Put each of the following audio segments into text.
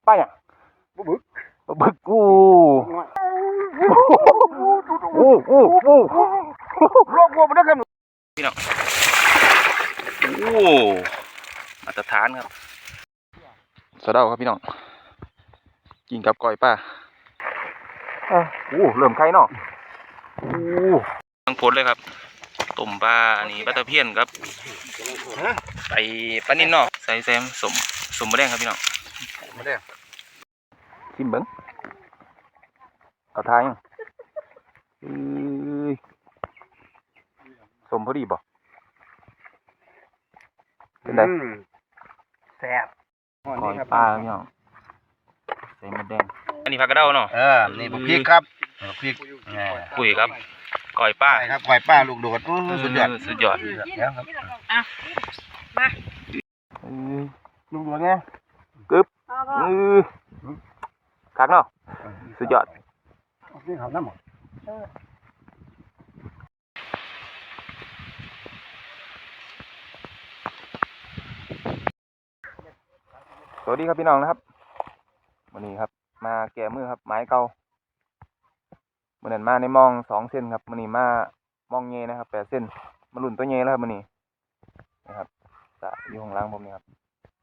ป้าอย่างบึกบึกอู้อู้โลกวัวมันได้กันพี่น้องโอ้มาตรฐานครับสะเดาครับพี่น้องกินกับก้อยป้าโอ้เริ่มไข่เนาะโอ้ทั้งผลเลยครับต้มปลาอันนี้ปลาตะเพียนครับใส่ปลานิ่นเนาะใส่แซมสมมะแดงครับพี่น้องมาได้ชิมเบิ้งเอาทายยังสมพอดีบ่เป็นไงแซ่บก้อยปลาพี่น้องใส่มะแดงอันนี้ผักกระเด้าเนาะนี่พริกครับพริกปุ๋ยครับก้อยป้าครับก้อยป้าลูกโดดสุดยอดสุดยอดแล้วครับมาลูกโดดไงกึ๊บคักเนาะสุดยอดนี่เขาน้ำหมดสวัสดีครับพี่น้องนะครับวันนี้ครับมาแก่มือครับไม้เก่าวันนั้นมาในมอง2 เส้นครับวันนี้มามองเงยนะครับ8 เส้นมาลุ่นตัวเงยแล้วครับวันนี้นะครับจะอยู่ข้างล่างผมนี่ครับ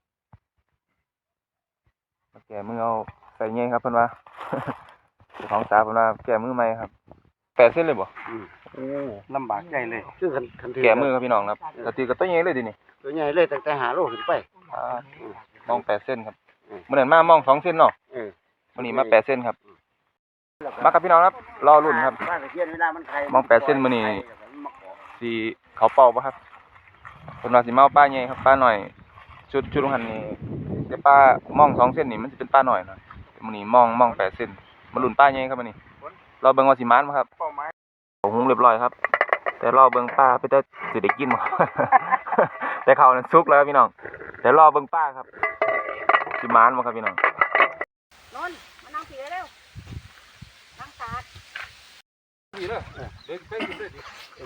มาแก่มือเอาใส่เงยครับเพื่อนว่า ของสาเพื่อนว่าแก่มือใหม่ครับ8 เส้นเลยบ่โอ้ลำบากใจเลยคือแก่มือครับพี่น้องครับกระตีกับตัวเงยเลยดินี่ตัวใหญ่เลยแต่หาโลขึ้นไปมอง8 เส้นครับวันนั้นมามอง2 เส้นเนาะวันนี้มา8 เส้นครับมาครับพี่น้องครับรอรุ่นครับมอง8 เส้นมื้อนี้สิเขาเป่าป่ะครับเพิ่นว่าสิมาเอาป้าใหญ่ครับป้าหน่อยชุดหันนี่แต่ป้ามอง2 เส้นนี่มันสิเป็นป้าหน่อยเนาะมื้อนี้มอง8 เส้นมารุ่นป้าใหญ่ครับมื้อนี้รอเบิ่งว่าสิมานบ่ครับหุงเรียบร้อยครับแต่รอเบิ่งป้าไปแต่สิได้กินบ่ แต่ข้าวนั้นสุกแล้วครับพี่น้องแต่รอเบิ่งป้าครับสิมานบ่ครับพี่น้องนนมานั่งผีเร็วนั่งสาดดีเลยเด็กไปกินเลยดิ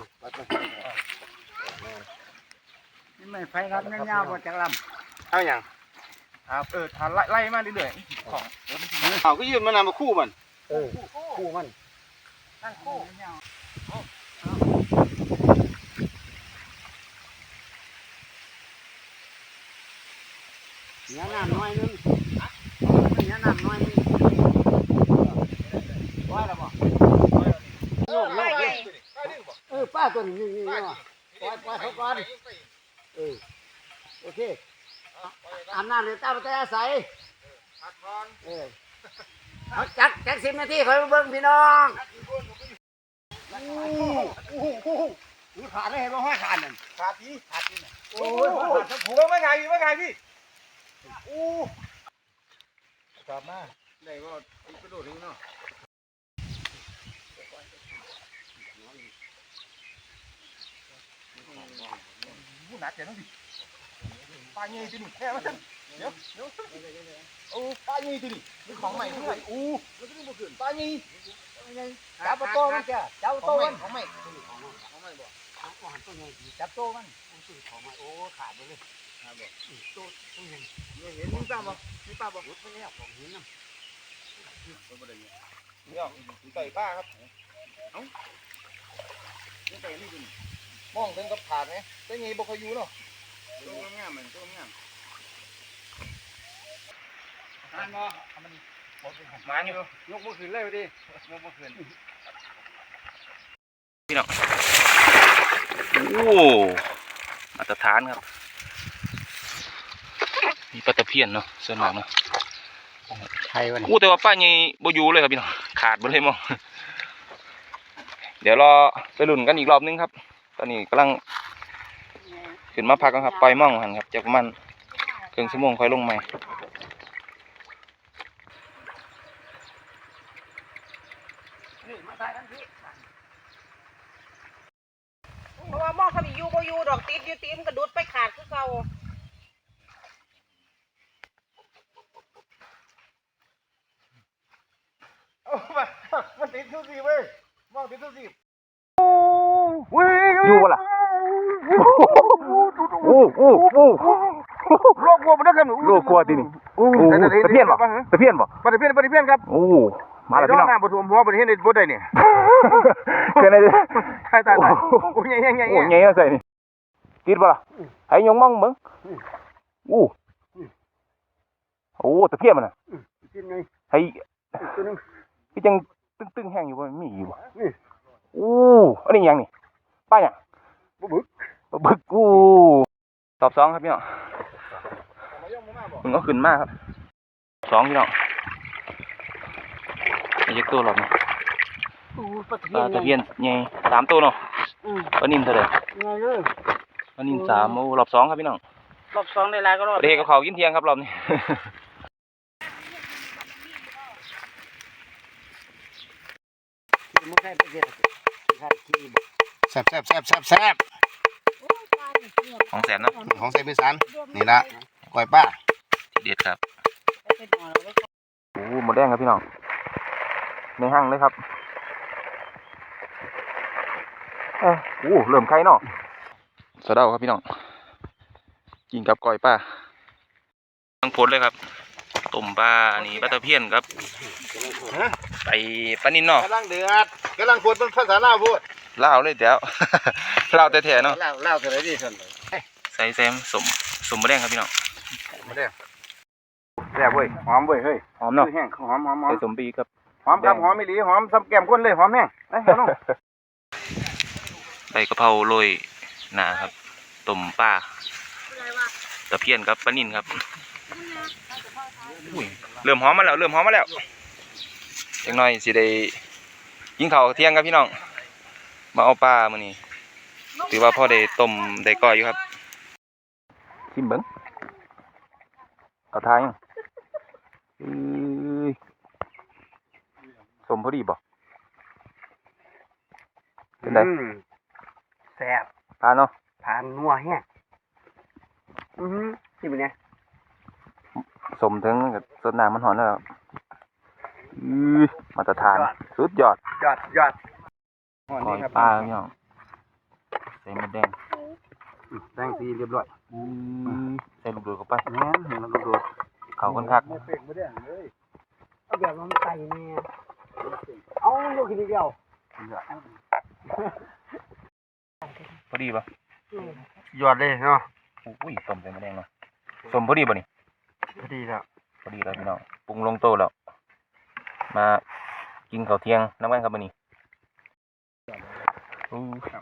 นี่ไม่ไฟครับเงาๆบ่จักลำเอาอย่างครับทานไล่มาเรื่อยๆของเอาก็ยืนมานำมาคู่มันคู่มันตั้งคู่เนื้อน้ำน้อยนึงเนื้อน้ำน้อยนึงว่าแล้วบ่ป้าตัวนี้นี่ว่าปล่อยเขาก่อนโอเคอาบน้ำเดี๋ยวตาไปแต่ใส่เอาจัก10 นาทีคอยมาเบิ่งพี่น้องขาดได้เห็นว่าห้อยขาดนั่นขาดนี่โอ้ยขาดทั้งผัวไม่ไงพี่กลับมาได้ก็กระโดดทิ้งเนาะผู้หนักเจ๋งดิปลาเงี้ยที่นี่แค่ว่าเดี๋ยวโอ้ปลาเงี้ยที่นี่มีของใหม่ด้วยปลาเงี้ยจับโตมันจ้ะจับโตมันของใหม่บ่จับโตมันของใหม่โอ้ขาดไปเลยโตต้องเห็นเห็นมีป้าบ่รถไปแล้วของหินน้ำเนี่ยไก่ป้าครับเอ้าไก่นี่ดูมองถึงกับขาดไหมได้ไงบ่เคยอยู่เนาะตัวงามมันตัวงามทานบ่มันมาอยู่ยกมือขึ้นเลยดิยกมือขึ้นพี่น้องโอ้มาตรฐานครับมีปลาตะเพียนเนาะส่วนมากเนาะใช่วะแต่ว่าป้าใหญ่บ่อยู่เลยครับพี่น้องขาดหมดเลยมองเดี๋ยวรอไปลุ้นกันอีกรอบนึงครับตอนนี้กำลังขึ้นมาพักกันครับปล่อยม่องหันครับจากประมาณครึ่งชั่วโมงค่อยลงใหม่เพราะว่ามองเขาอยู่บ่อยู่ดอกติดอยู่ตีมกระดุดไปขาดคือเก่ามันติดทุกทีเว้ยมองติดทุกทีอยู่ล่ะโอ้โลกวัวมันได้กันโลกวัวที่นี่อู้โอ้ตะเพียนบ่ตะเพียนบ่ปลาตะเพียนครับโอ้มาแล้วพี่น้องน้ำบ่ท่วมหัวบ่ได้เห็นบ่ได้นี่เกินเลยตายโอ้ยใหญ่โอ้ยไงใส่นี่ติดบ่ล่ะให้ยงมองเบิ่งอู้โอ้ตะเพียนมันน่ะกินไงให้ตัวนึงพี่จังตึ้งๆแห้งอยู่บ่มีอยู่บ่อู้อันนี้หยังนี่ป้าหยังบ่บึกบึกอู้ตอบ2ครับพี่น้องมึงก็ขึ้นมาครับ2พี่น้องไอ้ยักษ์ตัวหลอดนี่ปลาปลาตะเพียนใหญ่3ตัวเนาะปลานิ่มเท่าไหร่ไงเลยปลานิ่ม3โอ้รอบ2ครับพี่น้องรอบสองในลายก็รอบประเทศกับเขาวกินเที่ยงครับรอบนี้แซ่บของแสนเนาะของไซมิสันนี่ละก้อยป้าทีเด็ดครับโอ้หมดแดงครับพี่น้องในห้างเลยครับโอ้เริ่มไข่เนาะสะเดาครับพี่น้องกินกับก้อยป้าทั้งผลเลยครับต้มปลาอันนี้ปลาตะเพียนครับไปปลานินเนาะกำลังเดือดกำลังพูดเป็นภาษาลาวพูดลาวเลยเดี๋ยว ลาวแต่แท้ๆเนาะลาวเท่าไหร่ดีท่านใส่แซมสมหมดแดงครับพี่น้องมาเด้อแซ่บเว้ยหอมเว้ยเฮ้ยหอมเนาะแห้งหอมใส่สมปีครับหอมครับหอมไม่หลีหอมซ้ำแก้มคนเลยหอมแห้งไอ้น้องใบกะเพราโรยหนาครับต้มปลาตะเพียนครับปลานิ่นครับอุ้ยเริ่มหอมมาแล้วอีกหน่อยสิได้กินข้าวเที่ยงครับพี่น้องมาเอาปลามื้อนี้ถือว่าพ่อได้ต้มได้ก้อยอยู่ครับชิมเบิ่งเอาทายยังสมพอดีบ่เป็นไงแซ่บทานเนาะทานนัวแห้งที่เป็นไงสมถึงกับสดน้ำมันหอนแล้วมาตรฐานสุดยอดยอดก้อยปลาพี่น้องใส่มะแดงแป้งสีเรียบร้อยใส่ลูกโดดเข้าไปแม่เห็นแล้วดูเขาคนคักเอาแบบมันไก่เนี่ยเอาลูกกินเดียวพอดีป่ะยอดเลยเนาะอุ้ยต้มใส่มะแดงเนาะสมพอดีป่ะนี่พอดีแล้วพอดีแล้วพี่น้องปรุงลงโต๊ะแล้วมากินข้าวเที่ยงน้ำกันครับมื้อนี้อู้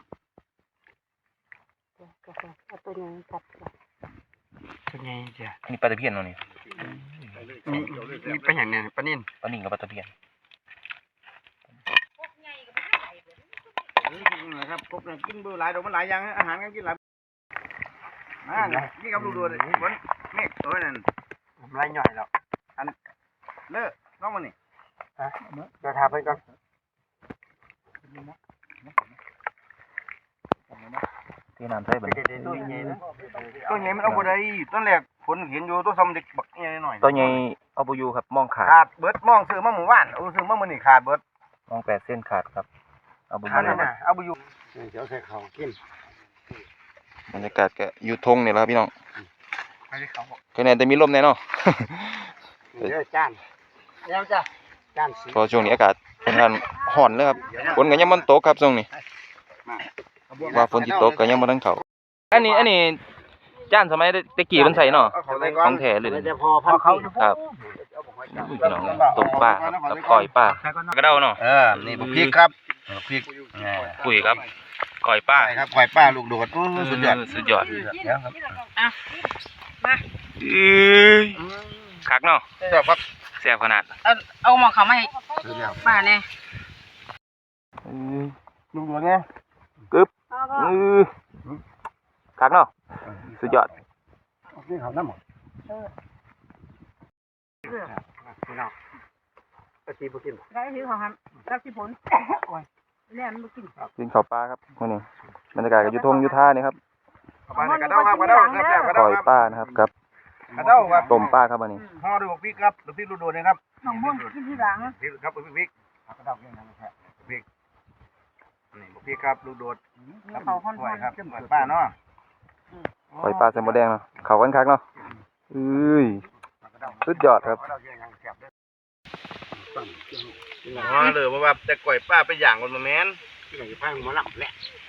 เอาตัวนี้กัดเป็นไงจ้ะอันนี้ปลาตะเพียนเนาะนี่มีเป็นอย่างเนี้ยปลานิ่นปลานิ่งกับปลาตะเพียนนะครับครบเลยกินเบอร์หลายดอกมันหลายอย่างอาหารกันกินหลายนี่กับลูกดูเลยบนเมฆตัวนั้นไรหน่อยแล้วอันเลิกน้องมันนี่เดี๋ยวทาไปก่อนที่น้ำใส่เบิ่งตัวใหญ่มันเอาบ่ได้ตอนแรกฝนเห็นอยู่ตัวซ้ำเด็กบักใหญ่หน่อยตัวใหญ่เอาบ่อยู่ครับมองขาดขาดเบิดมองซื้อมาหมู่บ้านซื้อมามื้อนี้ขาดเบิดมอง8 เส้นขาดครับเอาบ่อขาดยู่น่ะเอาบ่อยู่เดี๋ยวใส่ข้าวกินบรรยากาศก็อยู่ทงนี่แหละครับพี่น้องให้ข้าวแค่นั้นแต่มีลมแน่เนาะเดี๋ยวจานแล้วจ้ะจานสีเพอช่วงนี้อากาศค่อนข้างร้อนเลยครับฝนก็ยังบ่ตกครับช่วงนี้ว่าฝนสิตกก็ยังบ่ทันเข้าอันนี้จานสมัยตะกี้เพิ่นใส่เนาะของแท้เลยจะพอพันเขาครับอุ้ยพี่น้องต้มปลาครับกับก้อยปลากระเด้าเนาะนี่พริกครับพริกคุยครับก้อยปลาใช่ครับควายป้าลูกโดดสุดยอดสุดยอดเดี๋ยวครับคักเนาะเดี๋ยวครับแซ่บขนาดเอาหมอเขามาให้เดี๋ยวป้าเนี่ยลูกโดดไงคักเนาะสุดยอดนี่เขาน้ำหมดพี่น้องกะทิบุกินได้ถือของครับรับที่ผลแล่นมากินกินข้าวปลาครับมื้อนี้บรรยากาศก็อยู่ทงอยู่ท่านี่ครับกระเด้าครับกระเด้าแซ่บกระเด้าก้อยครับปลานะครับกับกระเด้าครับต้มปลาครับมื้อนี้ห่อด้วยพริกครับพริกลูกโดดนะครับน้องม่วงกินที่หลังพริกครับพริกกระเด้าเก่งนะครับพริกนี่พริกครับลูกโดดครับควายครับควายป้าเนาะก้อยปลาใส่หมูแดงเนาะเข้ากันคักเนาะเอ้ยสุดยอดครับอ๋อเลยเพราะว่าแต่ก่อยป้าไปอย่างคนมาแม่นพังมาหลับแหละ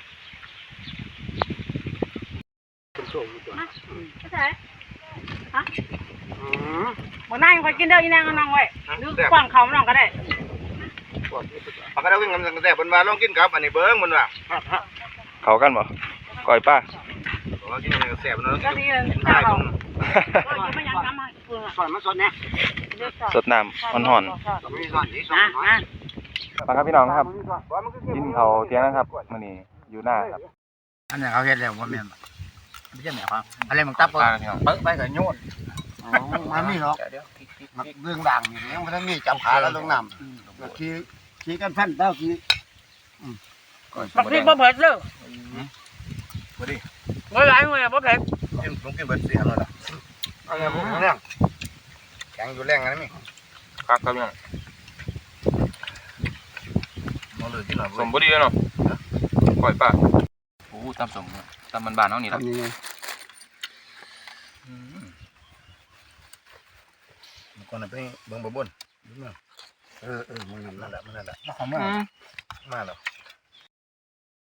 ไม่ใช่ฮะบ่นั่งคอยกินเด้ออีนางก็นั่งไว้หรือกว้างเขาน้องก็ได้ปากก็ได้วิ่งกำลังแต่บนมาลองกินกับอันนี้เบิ้งบนว่าเขากันบ่ก้อยป้าลองกินอะไรก็แซ่บเนาะก็ดีใช่ตรงก็ยังไม่ยังทำให้เพื่อสอนมาสอนเนี่ยสดน้ำอ่อนมีสอนที่สอนน้อยๆมาครับพี่น้องครับกินเขาวเที่ยงนะครับมื้อนี้อยู่หน้าครับอันนี้เขาเห็นแล้วว่าแม่นไม่ใช่แม่ครับอะไรมึงตับปลาพี่น้องเปิดไปกับโยนมันมีหรอกเรื่องดังยังไม่ได้มีจับขาแล้วลงน้ำขี่กันพันเต้าขี่บักพริกบ่เผ็ดเด้อบ่ดิบ่หลายมื้อบ่เผ็ดกินลองกินเบิดเสียแล้วล่ะอะไรพวกนี้แข็งอยู่แรงนะนี่ครับครับพี่น้องมาเลยที่หน่อยสมบ่ดีเนาะก้อยป้าโอ้ตำสมตำบ้านๆเฮานี่ล่ะทำยังไงมันก่อนไปเบิ่งบ่บนมันนั่นแหละมาแล้ว